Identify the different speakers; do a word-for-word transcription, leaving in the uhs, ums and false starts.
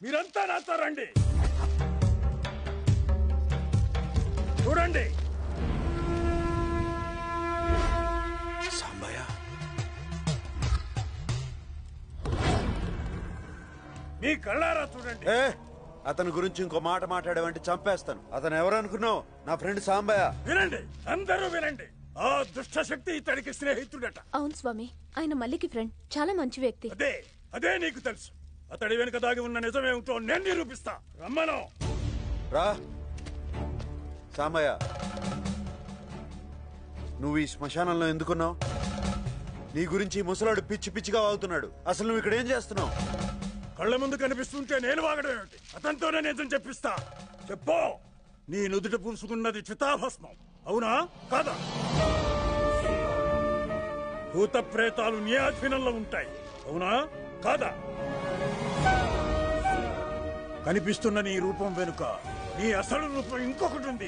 Speaker 1: మీరంతా నాతో రండి. చూడండి.
Speaker 2: సాంబయ్య,
Speaker 1: మీ కళ్ళారా చూడండి.
Speaker 2: ఏ అతని గురించి ఇంకో మాట మాట్లాడేవంటే చంపేస్తాను. అతను ఎవరు అనుకున్నావు? నా ఫ్రెండ్ సాంబయ్య.
Speaker 1: వినండి, అందరూ వినండి. ఆ దుష్ట శక్తి ఇతడికి స్నేహితుడట.
Speaker 3: అవును స్వామి, ఆయన మల్లికి ఫ్రెండ్, చాలా మంచి వ్యక్తి.
Speaker 1: అదే అదే నీకు తెలుసు. అతడి వెనుక దాగి ఉన్న నిజమేమిటో నేను నిరూపిస్తా. రమ్మను.
Speaker 2: రా సాంబయ్య, నువ్వు ఈ శ్మశానంలో ఎందుకున్నావు? నీ గురించి ఈ ముసలాడు పిచ్చి పిచ్చిగా వాగుతున్నాడు. అసలు నువ్వు ఇక్కడ ఏం చేస్తున్నావు?
Speaker 1: కళ్ళ ముందు కనిపిస్తుంటే నేను వాగడం ఏమిటి? అతనితోనే నిజం చెప్పిస్తా. చెప్పు. నీ నుదుట పూసుకున్నది చితాభస్మం, అవునా కాదా? భూత ప్రేతాలు నీ ఆధీనంలో ఉంటాయి, అవునా కాదా? కనిపిస్తున్న నీ రూపం వెనుక నీ అసలు రూపం ఇంకొకటి ఉంది,